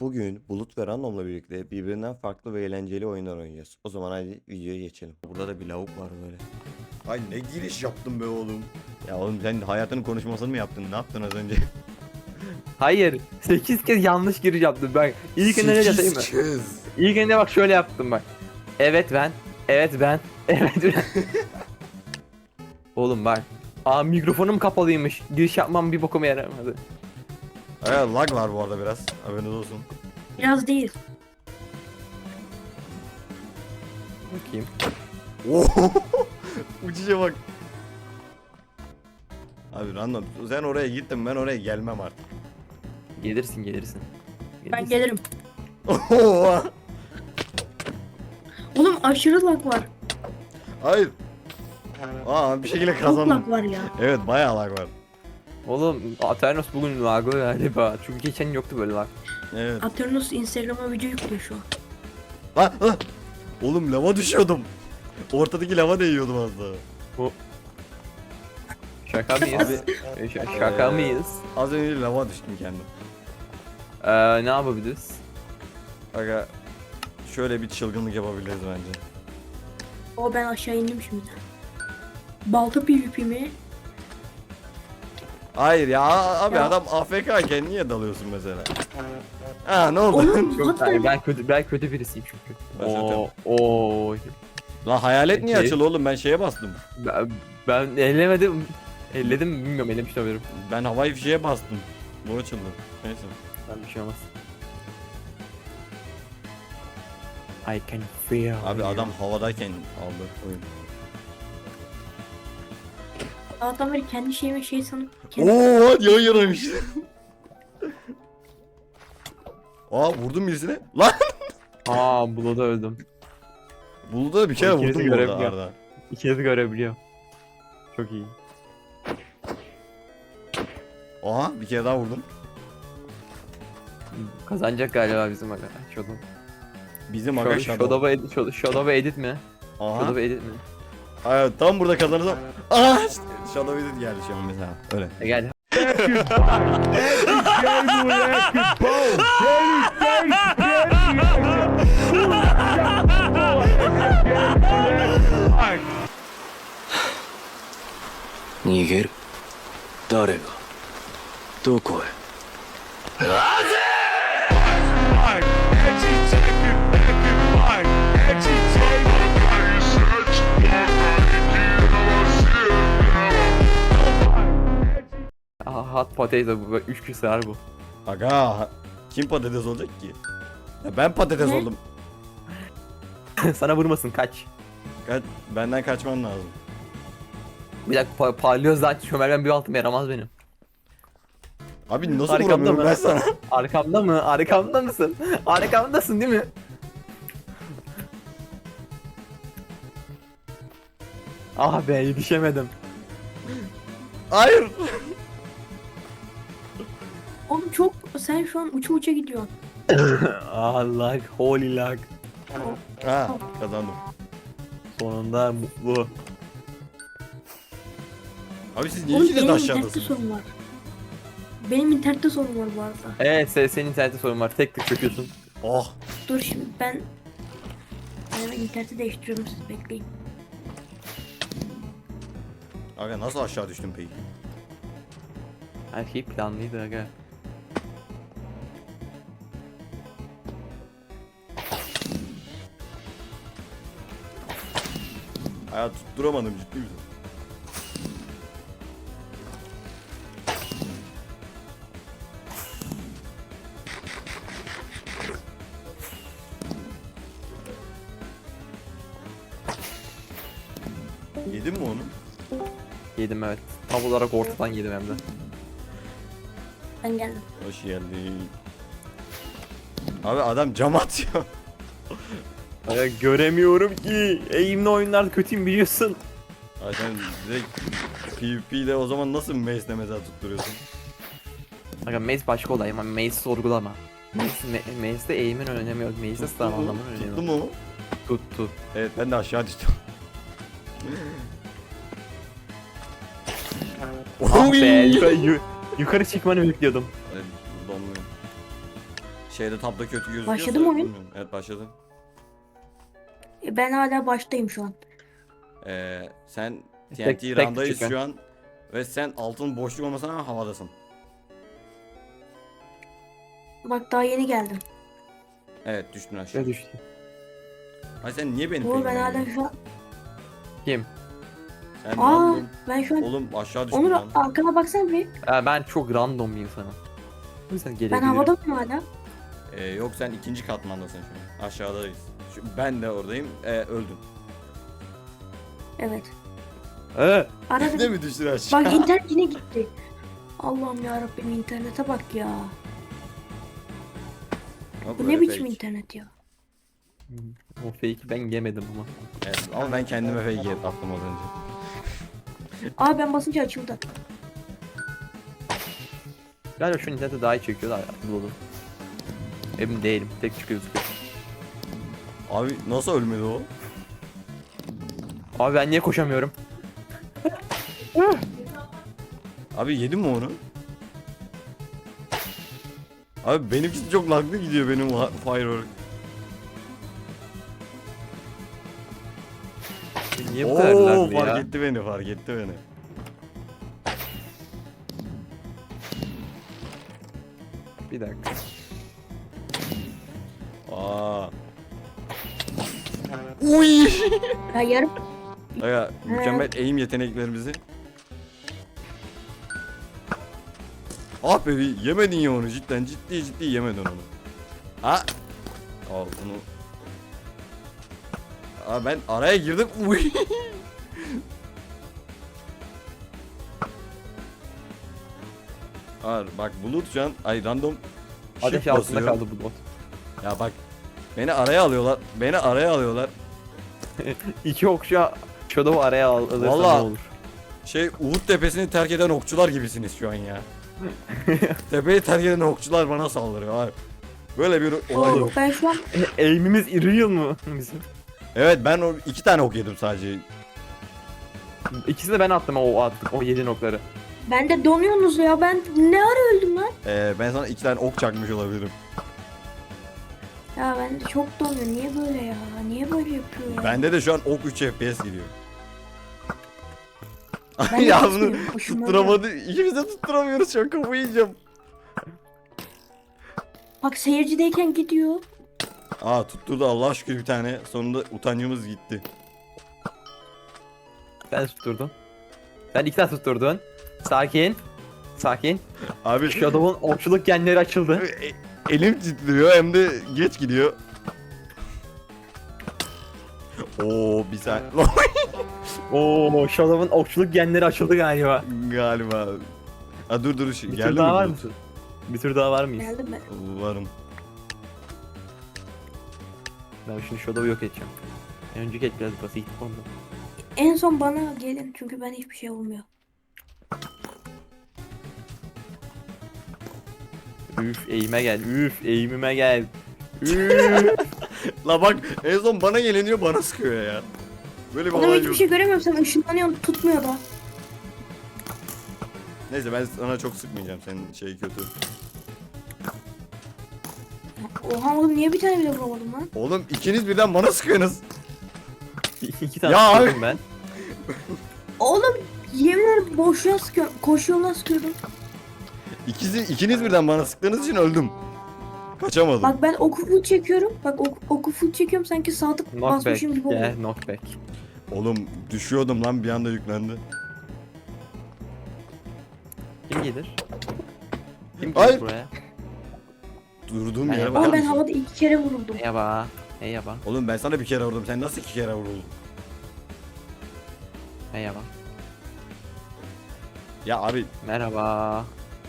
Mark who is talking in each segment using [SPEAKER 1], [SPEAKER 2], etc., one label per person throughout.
[SPEAKER 1] Bugün Bulut ve Random'la birlikte birbirinden farklı ve eğlenceli oyunlar oynayacağız. O zaman hadi videoya geçelim. Burada da bir lavuk var böyle. Ay ne giriş yaptın be oğlum. Ya oğlum sen hayatının konuşmasını mı yaptın? Ne yaptın az önce?
[SPEAKER 2] Hayır. 8 kez yanlış giriş yaptım ben. İlkinde ne yapayım mı?
[SPEAKER 1] kez.
[SPEAKER 2] İlkinde bak şöyle yaptım bak. Evet ben. Evet ben. Evet ben. Oğlum bak. Aa mikrofonum kapalıymış. Giriş yapmam bir bokuma yaramadı.
[SPEAKER 1] Evet lag var bu arada biraz. Haberiniz olsun.
[SPEAKER 3] Biraz değil.
[SPEAKER 2] Bakayım.
[SPEAKER 1] Uçuşa bak. Abi Random sen oraya gittin, ben oraya gelmem artık.
[SPEAKER 2] Gelirsin gelirsin.
[SPEAKER 3] Ben gelirim.
[SPEAKER 1] Oha.
[SPEAKER 3] Oğlum aşırı lag var.
[SPEAKER 1] Hayır. Aa bir şekilde
[SPEAKER 3] Çok
[SPEAKER 1] kazandım.
[SPEAKER 3] lag var ya.
[SPEAKER 1] Evet bayağı lag var.
[SPEAKER 2] Oğlum Aternos bugün lagı galiba. Çünkü geçen yoktu böyle lag.
[SPEAKER 1] Evet.
[SPEAKER 3] Aternos Instagram'a video yüklüyor şu an.
[SPEAKER 1] Lan lan. Oğlum lava düşüyordum. Ortadaki lava değiyordum az daha.
[SPEAKER 2] Şaka mıyız? Şaka mıyız?
[SPEAKER 1] Az önce lava düştüm kendim.
[SPEAKER 2] Ne yapabiliriz?
[SPEAKER 1] Aga şöyle bir çılgınlık yapabiliriz bence.
[SPEAKER 3] O ben aşağı indim şimdi. Balta PvP mi?
[SPEAKER 1] Hayır ya abi
[SPEAKER 3] Ya.
[SPEAKER 1] adam AFK iken niye dalıyorsun mesela? Ha ne oldu?
[SPEAKER 3] Oğlum
[SPEAKER 2] Çok
[SPEAKER 3] hatta
[SPEAKER 2] hayır, ben kötü birisiyim çünkü.
[SPEAKER 1] Ben zaten-
[SPEAKER 2] Oo.
[SPEAKER 1] Lan hayalet niye
[SPEAKER 2] Peki.
[SPEAKER 1] açıldı oğlum, ben şeye bastım.
[SPEAKER 2] Ben ellemedim. Elledim mi bilmiyorum, ellemiş de olabilirim.
[SPEAKER 1] Ben havai fişeğe bastım. Bu açıldı. Neyse.
[SPEAKER 2] Ben bir şey olmaz. I can feel
[SPEAKER 1] Abi
[SPEAKER 2] you.
[SPEAKER 1] adam havadayken aldı oyun.
[SPEAKER 3] adam beri kendi şeyime şey sanıp kendi...
[SPEAKER 1] Oo yan yanaymış. Aa vurdum birisine. Lan
[SPEAKER 2] Blood'a öldüm.
[SPEAKER 1] buldu bir kere
[SPEAKER 2] İkinizi
[SPEAKER 1] vurdum bu arada
[SPEAKER 2] görebiliyorum.
[SPEAKER 1] Arda.
[SPEAKER 2] İkinizi görebiliyorum. Çok iyi.
[SPEAKER 1] Aha bir kere daha vurdum.
[SPEAKER 2] Kazanacak galiba bizim aga. Shadow.
[SPEAKER 1] Bizim aga Shadow.
[SPEAKER 2] Shadow edit mi?
[SPEAKER 1] Aha.
[SPEAKER 2] Shadow edit mi?
[SPEAKER 1] Evet, tam burada kazanırsam. Aa Shadow Edit geldi şu an mesela. Öyle.
[SPEAKER 2] Gel. Hot potato bu. 3 kişi sığar bu.
[SPEAKER 1] Aga kim patates olacak ki? Ya ben patates
[SPEAKER 3] Ne?
[SPEAKER 1] oldum.
[SPEAKER 2] Sana vurmasın kaç.
[SPEAKER 1] Benden kaçman lazım.
[SPEAKER 2] Bir dakika parlıyor zaten çömelmem bir altım yaramaz benim.
[SPEAKER 1] Abi nasıl
[SPEAKER 2] Arkamda
[SPEAKER 1] vuramıyorum
[SPEAKER 2] mı?
[SPEAKER 1] ben sana?
[SPEAKER 2] Arkamda mı? Arkamda mısın? Arkamdasın değil mi? Ah be yetişemedim.
[SPEAKER 1] Hayır.
[SPEAKER 3] Oğlum çok sen şu an uça uça gidiyorsun.
[SPEAKER 2] Ah lag, holy lag.
[SPEAKER 1] Ha kazandım.
[SPEAKER 2] Sonunda mutlu.
[SPEAKER 1] Abi siz niye
[SPEAKER 3] Oğlum
[SPEAKER 1] ikiniz de
[SPEAKER 3] benim internette
[SPEAKER 1] aşağıdasınız?
[SPEAKER 3] sorun var. Benim internette sorun var bu arada.
[SPEAKER 2] Evet senin internette sorun var. Tek tık çöküyorsun.
[SPEAKER 1] Oh.
[SPEAKER 3] Dur şimdi ben... Ben interneti değiştiriyorum, siz bekleyin.
[SPEAKER 1] Aga nasıl aşağı düştün peki?
[SPEAKER 2] Her şey planlıydı aga.
[SPEAKER 1] Hayat tutturamadım, ciddi misin? Yedin mi onu?
[SPEAKER 2] Yedim evet. Tam olarak ortadan yedim hem de.
[SPEAKER 3] Ben geldim.
[SPEAKER 1] Hoş geldin. Abi adam cam atıyor.
[SPEAKER 2] Aga göremiyorum ki. Eğimli oyunlar kötüyüm biliyorsun.
[SPEAKER 1] Ay sen direkt PvP'de o zaman nasıl Mace'de mesela tutturuyorsun?
[SPEAKER 2] Aga Maze başka olay ama Maze sorgulama. Maze'de eğimin önemi yok. Maze'de sağlamanın önemi
[SPEAKER 1] Tuttu
[SPEAKER 2] yok.
[SPEAKER 1] mu?
[SPEAKER 2] Tuttu.
[SPEAKER 1] Evet ben de aşağı düştüm.
[SPEAKER 2] Ah be yukarı çıkmanı bekliyordum.
[SPEAKER 1] Evet, donmuyor. Şeyde tabda kötü gözüküyorsa
[SPEAKER 3] Başladı mı oyun?
[SPEAKER 1] bilmiyorum. Evet başladı.
[SPEAKER 3] Ben hala baştayım şu an.
[SPEAKER 1] Sen
[SPEAKER 2] Tek-
[SPEAKER 1] TNT
[SPEAKER 2] tek
[SPEAKER 1] randayız
[SPEAKER 2] küçük
[SPEAKER 1] şu an. Ve sen altın boşluk olmasına rağmen havadasın.
[SPEAKER 3] Bak daha yeni geldim.
[SPEAKER 1] Evet düştün aşağı.
[SPEAKER 2] Ne düştü?
[SPEAKER 1] Ay sen niye beni
[SPEAKER 3] Oğlum ben
[SPEAKER 1] peynirledin?
[SPEAKER 3] hala şu an.
[SPEAKER 2] Kim?
[SPEAKER 1] Sen
[SPEAKER 3] Aa
[SPEAKER 1] random.
[SPEAKER 3] ben şu an.
[SPEAKER 1] Oğlum aşağı düştün
[SPEAKER 3] Onur
[SPEAKER 1] lan.
[SPEAKER 3] arkana baksana bir.
[SPEAKER 2] Ben çok random bir insanım. O yüzden
[SPEAKER 3] Ben
[SPEAKER 2] gelebilirim.
[SPEAKER 3] havada mıyım hala?
[SPEAKER 1] Yok sen ikinci katmandasın şu an. Aşağıdayız. Ben de oradayım. Öldün.
[SPEAKER 3] Evet.
[SPEAKER 2] Ee,
[SPEAKER 1] Ne
[SPEAKER 3] Aradım.
[SPEAKER 1] mi düştün aşağı?
[SPEAKER 3] Bak internet yine gitti. Allah'ım ya Rabbim internete bak ya.
[SPEAKER 1] Yok,
[SPEAKER 3] Bu
[SPEAKER 1] böyle
[SPEAKER 3] ne biçim
[SPEAKER 1] fake.
[SPEAKER 3] internet ya?
[SPEAKER 2] o fake'i ben yemedim ama.
[SPEAKER 1] Evet, ama ben kendime fake attım az önce.
[SPEAKER 3] Aa ben basınca açıldı.
[SPEAKER 2] Galiba şu internete daha iyi çekiyor da dolu. Emin değilim. Tek çıkıyor gözüküyor.
[SPEAKER 1] Abi nasıl ölmedi o?
[SPEAKER 2] Abi ben niye koşamıyorum?
[SPEAKER 1] Abi yedin mi onu? Abi benimkisi çok laglı gidiyor benim firework.
[SPEAKER 2] Niye bu kadar laglı ya?
[SPEAKER 1] Fark etti beni, fark etti beni.
[SPEAKER 2] Bir dakika.
[SPEAKER 1] Aa. Uy.
[SPEAKER 3] Ya yarım.
[SPEAKER 1] Aga mükemmel aim yeteneklerimizi. Ah be yemedin ya onu cidden ciddi yemedin onu. Ha? Al bunu. Aa ben araya girdim. Uy. Bak bulut şu an ay random
[SPEAKER 2] Ateş
[SPEAKER 1] shift
[SPEAKER 2] altında
[SPEAKER 1] basıyor.
[SPEAKER 2] kaldı bu bot.
[SPEAKER 1] Ya bak beni araya alıyorlar. Beni araya alıyorlar.
[SPEAKER 2] İki okşu Shadow'u araya alırsa ne
[SPEAKER 1] Vallahi-
[SPEAKER 2] olur?
[SPEAKER 1] Şey Uhud tepesini terk eden okçular gibisiniz şu an ya. Tepeyi terk eden okçular bana saldırıyor abi. Böyle bir olay yok.
[SPEAKER 3] Oğlum ben şu an.
[SPEAKER 2] Aim'imiz real mı bizim?
[SPEAKER 1] Evet ben o 2 tane ok yedim sadece.
[SPEAKER 2] İkisini de ben attım o attım o 7 okları.
[SPEAKER 3] Ben de donuyorsunuz ya. Ben ne ara öldüm lan?
[SPEAKER 1] Ben sana 2 tane ok çakmış olabilirim.
[SPEAKER 3] Ya ben de çok donuyor. Niye böyle ya? Niye böyle yapıyor ya?
[SPEAKER 1] Bende de şu an ok 3 FPS gidiyor.
[SPEAKER 3] Ben de
[SPEAKER 1] ya bunu
[SPEAKER 3] tutmuyorum, hoşuma
[SPEAKER 1] tutturamadı. İkimiz de tutturamıyoruz şu an kafayı yiyeceğim.
[SPEAKER 3] Bak seyircideyken gidiyor.
[SPEAKER 1] Aa tutturdu Allah şükür bir tane. Sonunda utancımız gitti.
[SPEAKER 2] Sen tutturdun. Sen iki tane tutturdun. Sakin. Sakin.
[SPEAKER 1] Abi
[SPEAKER 2] Shadow'un okçuluk genleri açıldı.
[SPEAKER 1] elim titriyor hem de geç gidiyor. Oo bir saniye.
[SPEAKER 2] Oo Shadow'un okçuluk genleri açıldı galiba.
[SPEAKER 1] Galiba. Dur
[SPEAKER 2] Bir
[SPEAKER 1] geldi
[SPEAKER 2] tur
[SPEAKER 1] mi
[SPEAKER 2] daha var
[SPEAKER 1] bu?
[SPEAKER 2] mısın? Bir tur daha var mıyız?
[SPEAKER 3] Geldim ben.
[SPEAKER 1] Varım.
[SPEAKER 2] Ben şimdi Shadow'u yok edeceğim. Önceki et biraz basit oldu.
[SPEAKER 3] En son bana gelin çünkü ben hiçbir şey olmuyor.
[SPEAKER 2] Üf eğime gel. Üf eğimime gel. Üf.
[SPEAKER 1] La bak en son bana geliniyor bana sıkıyor ya. Böyle bir
[SPEAKER 3] Oğlum
[SPEAKER 1] olay
[SPEAKER 3] hiçbir
[SPEAKER 1] yok.
[SPEAKER 3] şey göremiyorum. Sen ışınlanıyorsun tutmuyor da.
[SPEAKER 1] Neyse ben sana çok sıkmayacağım senin şey kötü.
[SPEAKER 3] Oha oğlum niye bir tane bile vuramadım lan?
[SPEAKER 1] Oğlum ikiniz birden bana sıkıyorsunuz.
[SPEAKER 2] İki tane
[SPEAKER 1] Ya
[SPEAKER 2] tutturdum ben.
[SPEAKER 3] Oğlum yemin ederim boşluğa sıkıyorum. Koşu yoluna sıkıyordum.
[SPEAKER 1] İkiniz birden bana sıktığınız için öldüm. Kaçamadım.
[SPEAKER 3] Bak ben oku full çekiyorum. Bak oku full çekiyorum sanki sadık
[SPEAKER 2] Knockback.
[SPEAKER 3] basmışım gibi oluyor.
[SPEAKER 2] Gel knockback.
[SPEAKER 1] Oğlum düşüyordum lan bir anda yüklendi.
[SPEAKER 2] Kim gelir? Kim
[SPEAKER 1] Ay.
[SPEAKER 2] gelir buraya?
[SPEAKER 1] Durduğum
[SPEAKER 2] Ben
[SPEAKER 1] yere
[SPEAKER 2] yapamam.
[SPEAKER 1] bakar
[SPEAKER 3] Ama ben
[SPEAKER 1] mısın?
[SPEAKER 3] havada 2 kere vuruldum.
[SPEAKER 2] Merhaba. Merhaba.
[SPEAKER 1] Oğlum ben sana bir kere vurdum. Sen nasıl 2 kere vuruldun?
[SPEAKER 2] Merhaba.
[SPEAKER 1] Ya abi
[SPEAKER 2] Merhaba.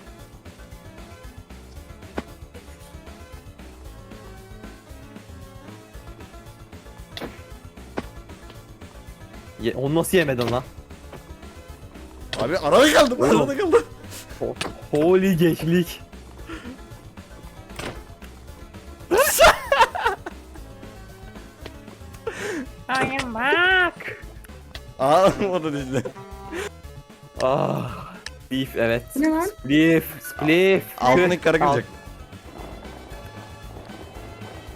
[SPEAKER 2] Onu nasıl yemedin lan?
[SPEAKER 1] arada kaldım.
[SPEAKER 2] Oğlum.
[SPEAKER 1] Arada kaldım.
[SPEAKER 2] Holy geçlik. I am back.
[SPEAKER 1] Ağlamadı işte.
[SPEAKER 2] Ah. Beef evet.
[SPEAKER 3] Bu ne lan?
[SPEAKER 2] Spliff. Spliff.
[SPEAKER 1] Altındaki kara
[SPEAKER 2] Al.
[SPEAKER 1] kıracak.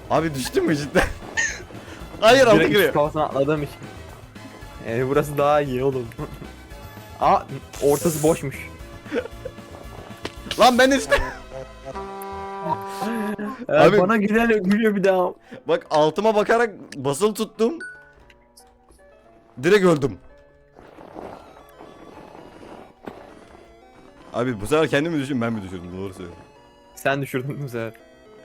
[SPEAKER 1] Abi düştün mü cidden? Hayır altı
[SPEAKER 2] Direkt
[SPEAKER 1] giriyor.
[SPEAKER 2] kafasına atladığım için. Burası daha iyi oğlum. Aa, ortası boşmuş.
[SPEAKER 1] Lan ben de düştüm. Abi-
[SPEAKER 2] Bana gülüyor bir daha.
[SPEAKER 1] Bak altıma bakarak basılı tuttum. Direkt öldüm. Abi bu sefer kendimi düşün, ben mi düşürdüm, doğru söylüyorum.
[SPEAKER 2] Sen düşürdün bu sefer.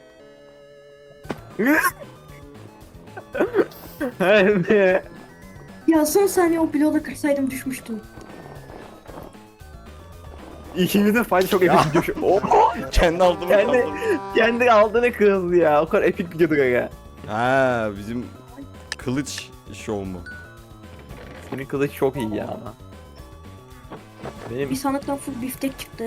[SPEAKER 2] Evet.
[SPEAKER 3] Ya son saniye o bloğu kırsaydım düşmüştüm.
[SPEAKER 2] İkimizin fayda çok
[SPEAKER 1] Ya.
[SPEAKER 2] epik video. Oh,
[SPEAKER 1] Kendi altıma
[SPEAKER 2] Kendi-
[SPEAKER 1] kaldım.
[SPEAKER 2] kendi aldığını kırıldı ya. O kadar epik videodu gaga.
[SPEAKER 1] Ha bizim kılıç şov mu?
[SPEAKER 2] Senin kılıç çok iyi ya ama. Benim
[SPEAKER 3] Bir sandıktan full biftek çıktı.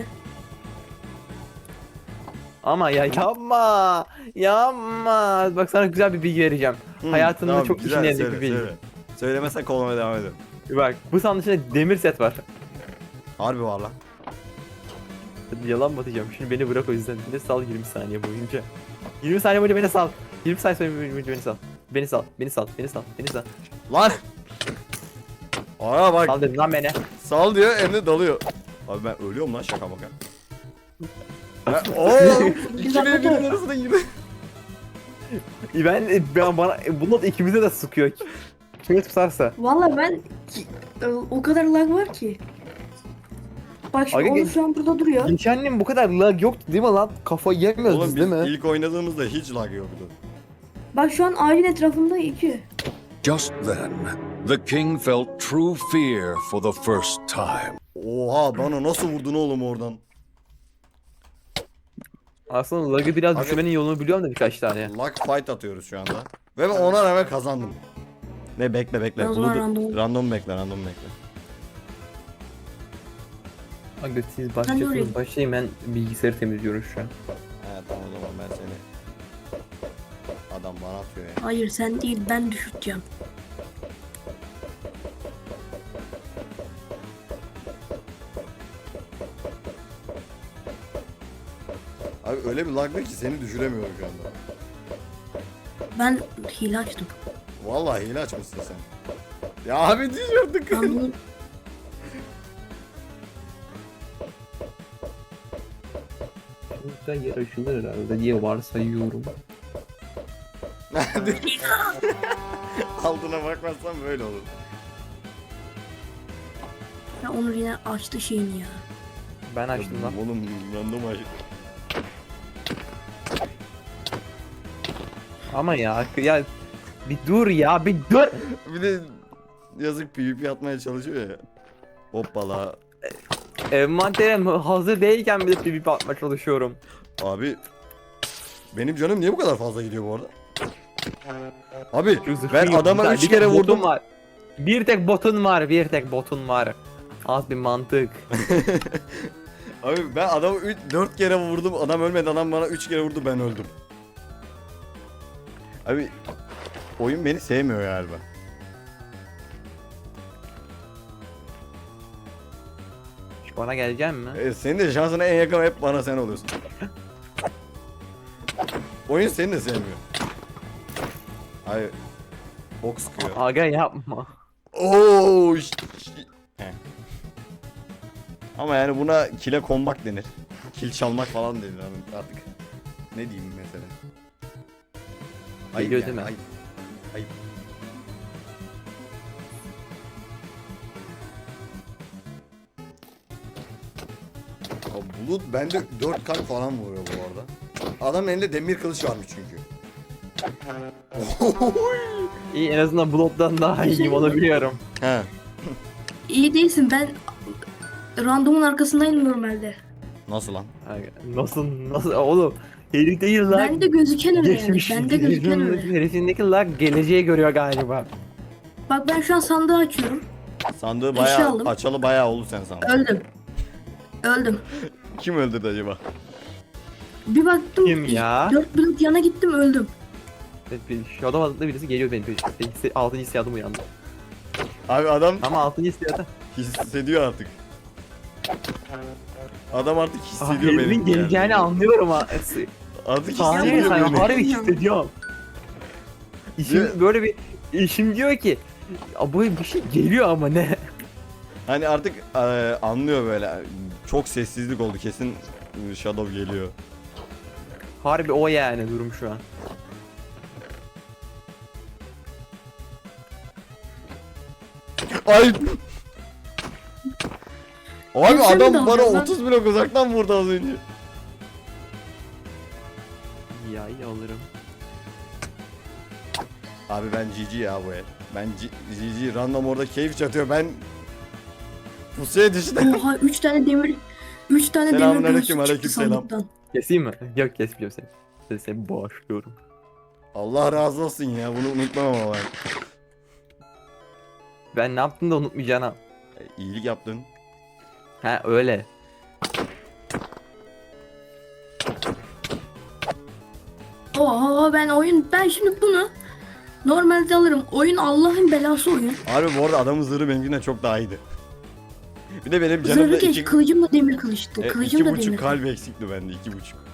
[SPEAKER 2] ama ya yapma. Yapma. Bak sana güzel bir bilgi vereceğim.
[SPEAKER 1] Hı,
[SPEAKER 2] Hayatında
[SPEAKER 1] tamam,
[SPEAKER 2] çok
[SPEAKER 1] güzel,
[SPEAKER 2] işine yarayacak
[SPEAKER 1] söyle,
[SPEAKER 2] bir bilgi.
[SPEAKER 1] söyle. Söylemezsen kollamaya devam edelim.
[SPEAKER 2] Bak bu sandığın içinde demir set var.
[SPEAKER 1] Harbi var lan.
[SPEAKER 2] Yalan mı atacağım? Şimdi beni bırak o yüzden. Beni sal 20 saniye boyunca. 20 saniye boyunca beni sal. 20 saniye boyunca beni sal. Beni sal. Beni sal. Beni sal. Beni sal.
[SPEAKER 1] Lan! Aa bak
[SPEAKER 2] Sal dedim lan beni.
[SPEAKER 1] sal diyor hem de dalıyor. Abi ben ölüyorum lan şaka maka. Ooo! İki birbirinin arasına girdi.
[SPEAKER 2] Ben bana bunu da ikimize de sıkıyor. Kime tutarsa.
[SPEAKER 3] Valla o kadar lag var ki. Bak şimdi
[SPEAKER 2] Aga,
[SPEAKER 3] Oğuz şu an burada duruyor.
[SPEAKER 2] Geçen bu kadar lag yoktu değil mi lan? Kafayı yemiyoruz
[SPEAKER 1] Oğlum
[SPEAKER 2] biz
[SPEAKER 1] biz
[SPEAKER 2] değil mi?
[SPEAKER 1] ilk oynadığımızda hiç lag yoktu.
[SPEAKER 3] Bak şu an ağacın etrafında iki.
[SPEAKER 4] Just then, the king felt true fear for the first time.
[SPEAKER 1] Oha bana nasıl vurdun oğlum oradan?
[SPEAKER 2] Aslında lag'ı biraz
[SPEAKER 1] Aga-
[SPEAKER 2] düşürmenin yolunu biliyorum da birkaç tane.
[SPEAKER 1] Lag fight atıyoruz şu anda. Ve ben ona rağmen kazandım. Ne bekle.
[SPEAKER 3] Ben o zaman
[SPEAKER 1] Bunu
[SPEAKER 3] random-
[SPEAKER 1] random bekle.
[SPEAKER 2] Aga siz
[SPEAKER 3] Ben
[SPEAKER 2] başlıyorsunuz başlayayım ben bilgisayarı temizliyorum şu an.
[SPEAKER 1] He tamam o zaman ben seni. Adam bana atıyor ya.
[SPEAKER 3] Hayır sen değil ben düşürteceğim.
[SPEAKER 1] Abi öyle bir laglı ki seni düşüremiyorum şu anda.
[SPEAKER 3] Ben hile açtım.
[SPEAKER 1] Vallahi hile açmışsın sen. Ya abi düşürdük.
[SPEAKER 3] Ben bunu
[SPEAKER 2] Güzel yer aşılır herhalde diye varsayıyorum.
[SPEAKER 1] Altına bakmazsan böyle olur.
[SPEAKER 3] ya Onur yine açtı şeyini ya.
[SPEAKER 2] Ben açtım lan.
[SPEAKER 1] Oğlum random aç.
[SPEAKER 2] Ama ya bir dur ya bir dur.
[SPEAKER 1] Bir de yazık PvP atmaya çalışıyor ya. Hoppala.
[SPEAKER 2] Envanterim hazır değilken bir de PvP atmaya çalışıyorum.
[SPEAKER 1] Abi benim canım niye bu kadar fazla gidiyor bu arada? Abi
[SPEAKER 2] Şu zırhın
[SPEAKER 1] ben
[SPEAKER 2] yok,
[SPEAKER 1] adama
[SPEAKER 2] güzel.
[SPEAKER 1] 3
[SPEAKER 2] Bir
[SPEAKER 1] kere
[SPEAKER 2] tek botun
[SPEAKER 1] vurdum.
[SPEAKER 2] var. Bir tek botun var, bir tek botun var. Az bir mantık.
[SPEAKER 1] Abi ben adamı 4 kere vurdum. Adam ölmedi. Adam bana 3 kere vurdu. Ben öldüm. Abi oyun beni sevmiyor galiba.
[SPEAKER 2] Şu bana gelecek mi?
[SPEAKER 1] Senin de şansına en yakın hep bana sen oluyorsun. Oyun seni de sevmiyor. Hayır. Ok sıkıyor.
[SPEAKER 2] Aga yapma.
[SPEAKER 1] Oo. Heh. Ama yani buna kile konmak denir. Kil çalmak falan denir abi artık. Ne diyeyim mesela?
[SPEAKER 2] Geliyor
[SPEAKER 1] yani,
[SPEAKER 2] değil mi?
[SPEAKER 1] Ayıp. Ayıp. Ya Bulut bende 4 kalp falan vuruyor bu arada. Adamın elinde demir kılıç varmış çünkü.
[SPEAKER 2] İyi en azından Blood'dan daha iyiyim onu biliyorum.
[SPEAKER 1] He.
[SPEAKER 3] İyi değilsin ben randomun arkasındayım normalde.
[SPEAKER 1] Nasıl lan?
[SPEAKER 2] Aga, nasıl oğlum? Herif değil lan.
[SPEAKER 3] Ben de gözüken öyle yani.
[SPEAKER 2] Geçmiş.
[SPEAKER 3] Ben de gözüken öyle.
[SPEAKER 2] Herifindeki lag geleceği görüyor galiba.
[SPEAKER 3] Bak ben şu an sandığı açıyorum.
[SPEAKER 1] Sandığı
[SPEAKER 3] Eşya
[SPEAKER 1] bayağı
[SPEAKER 3] aldım.
[SPEAKER 1] açalı bayağı oldu sen sandın.
[SPEAKER 3] Öldüm. Öldüm.
[SPEAKER 1] Kim öldürdü acaba?
[SPEAKER 3] Bir baktım.
[SPEAKER 2] Kim ya?
[SPEAKER 3] 4 blok yana gittim öldüm.
[SPEAKER 2] Evet, şu adam adında birisi geliyor benim peşimde. 6. hissiyadım uyandı.
[SPEAKER 1] Abi adam
[SPEAKER 2] Ama 6. hissiyatı.
[SPEAKER 1] hissediyor artık. Adam artık hissediyor
[SPEAKER 2] Herifin
[SPEAKER 1] beni.
[SPEAKER 2] geleceğini anlıyorum ha.
[SPEAKER 1] Artık
[SPEAKER 2] Saniye
[SPEAKER 1] hissediyor
[SPEAKER 2] sayın
[SPEAKER 1] beni.
[SPEAKER 2] harbi hissediyorum. İşim böyle bir işim diyor ki "Ya bu bir şey geliyor ama ne?"
[SPEAKER 1] Hani artık anlıyor böyle. Çok sessizlik oldu kesin Shadow geliyor.
[SPEAKER 2] Harbi o yani durum şu an.
[SPEAKER 1] Ay! Abi
[SPEAKER 3] Sen mi
[SPEAKER 1] adam bana
[SPEAKER 3] dalacaksın lan?
[SPEAKER 1] 30 blok uzaktan vurdu az önce.
[SPEAKER 2] Ya iyi alırım.
[SPEAKER 1] Abi ben GG ya bu el. Ben GG random orada keyif çatıyor. Ben pusuya düştüm.
[SPEAKER 3] Oha 3 tane demir. 3 tane demir
[SPEAKER 1] Selamünaleyküm,
[SPEAKER 3] göğsü çıktı
[SPEAKER 1] aleykümselam.
[SPEAKER 3] sandıktan.
[SPEAKER 2] Keseyim mi? Yok kesmeyeceğim seni. Seni bağışlıyorum.
[SPEAKER 1] Allah razı olsun ya bunu unutmam ama ben.
[SPEAKER 2] Ben ne yaptım da unutmayacağına.
[SPEAKER 1] İyilik yaptın.
[SPEAKER 2] Ha öyle.
[SPEAKER 3] Oha ben şimdi bunu normalde alırım. Oyun Allah'ın belası oyun.
[SPEAKER 1] Abi bu arada adamın zırhı benimkinden çok daha iyiydi. Bir de benim canımda
[SPEAKER 3] Zırhı geç, kılıcım da demir kılıçtı. Kılıcım
[SPEAKER 1] iki
[SPEAKER 3] da demir.
[SPEAKER 1] buçuk kalp eksikti bende 2,5.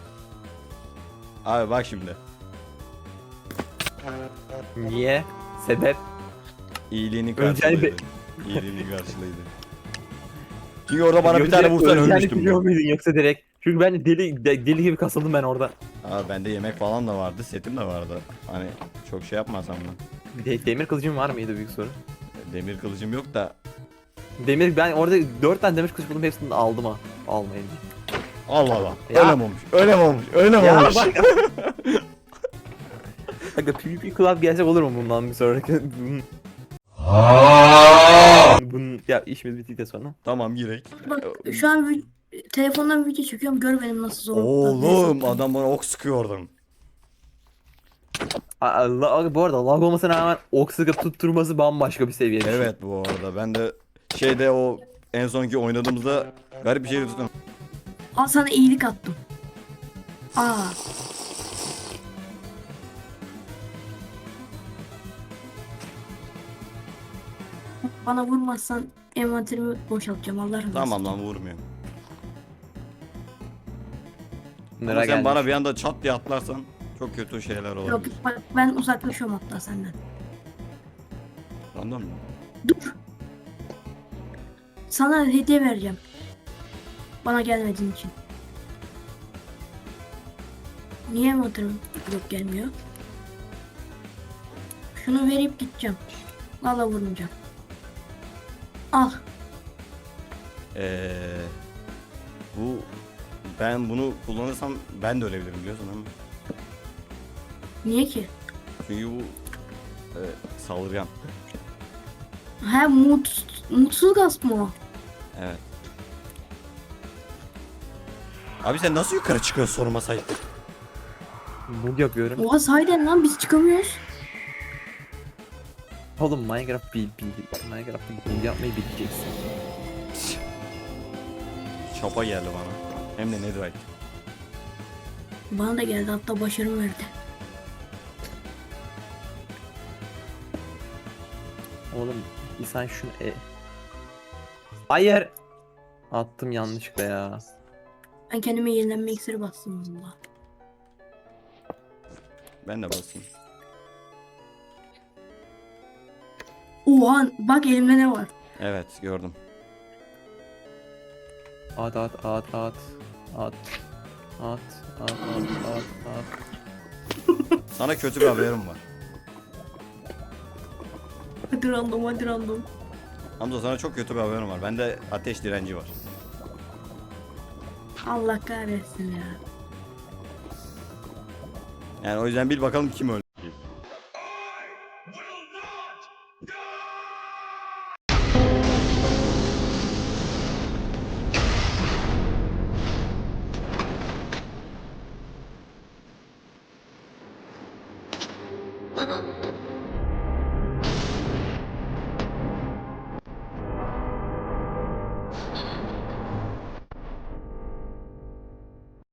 [SPEAKER 1] Abi bak şimdi.
[SPEAKER 2] Niye? Sebep?
[SPEAKER 1] İyiliğini
[SPEAKER 2] Öleceğini
[SPEAKER 1] karşılıydı. İyiliğini karşılıydı. Çünkü orada bana bir tane vursan ölmüştüm.
[SPEAKER 2] biliyor muydun yoksa direkt? Çünkü ben deli gibi kasıldım ben orada.
[SPEAKER 1] Abi bende yemek falan da vardı, setim de vardı. Hani çok şey yapmasam mı?
[SPEAKER 2] Demir kılıcım var mıydı büyük soru?
[SPEAKER 1] Demir kılıcım yok da.
[SPEAKER 2] Demir ben orada 4 tane demir kılıç buldum hepsini de aldım ha. Almayayım.
[SPEAKER 1] Allah Allah.
[SPEAKER 2] Ya.
[SPEAKER 1] Öyle mi olmuş? Öyle mi olmuş? Öyle mi
[SPEAKER 2] Ya
[SPEAKER 1] olmuş?
[SPEAKER 2] bak. Aga PvP Club gelsek olur mu bundan bir sonraki? Bunun ya işimiz bittikten sonra.
[SPEAKER 1] Tamam girek.
[SPEAKER 3] Bak şu an telefondan video çekiyorum. Gör benim nasıl zor.
[SPEAKER 1] Oğlum adam bana ok sıkıyor oradan.
[SPEAKER 2] Allah, bu arada lag olmasına rağmen ok sıkıp tutturması bambaşka bir seviye.
[SPEAKER 1] Evet bu arada ben de şeyde o en sonki oynadığımızda garip bir şey tuttum.
[SPEAKER 3] Al sana iyilik attım. Aa. Bana vurmazsan envanterimi boşaltacağım Allah razı olsun.
[SPEAKER 1] Tamam lan vurmuyorum. Ama
[SPEAKER 2] Nereye
[SPEAKER 1] sen bana bir anda çat diye atlarsan çok kötü şeyler
[SPEAKER 3] Yok
[SPEAKER 1] olabilir.
[SPEAKER 3] bak ben uzaklaşıyorum hatta senden.
[SPEAKER 1] Anladın mı?
[SPEAKER 3] Dur. Sana hediye vereceğim. Bana gelmediğin için. Niye motorum yok gelmiyor? Şunu verip gideceğim. Valla vurmayacağım. Al.
[SPEAKER 1] Bu ben bunu kullanırsam ben de ölebilirim biliyorsun ama.
[SPEAKER 3] Niye ki?
[SPEAKER 1] Çünkü bu saldırgan.
[SPEAKER 3] He mutsuz gasp mı o?
[SPEAKER 1] Evet. Abi sen nasıl yukarı çıkıyorsun sorma sayıp?
[SPEAKER 2] Bug yapıyorum.
[SPEAKER 3] Oha sahiden lan biz çıkamıyoruz.
[SPEAKER 2] Oğlum Minecraft'ta bug yapmayı bileceksin.
[SPEAKER 1] Çapa geldi bana. Hem de netherite.
[SPEAKER 3] Bana da geldi hatta başarım verdi.
[SPEAKER 2] Oğlum insan şunu Hayır. Attım yanlışlıkla ya.
[SPEAKER 3] Ben kendime yenilenme iksiri bastım valla.
[SPEAKER 1] Ben de basayım.
[SPEAKER 3] Oha bak elimde ne var.
[SPEAKER 1] Evet gördüm.
[SPEAKER 2] At.
[SPEAKER 1] Sana kötü bir haberim var.
[SPEAKER 3] Hadi random.
[SPEAKER 1] Hamza sana çok kötü bir haberim var. Bende ateş direnci var.
[SPEAKER 3] Allah kahretsin ya.
[SPEAKER 1] Yani o yüzden bil bakalım kim öldü.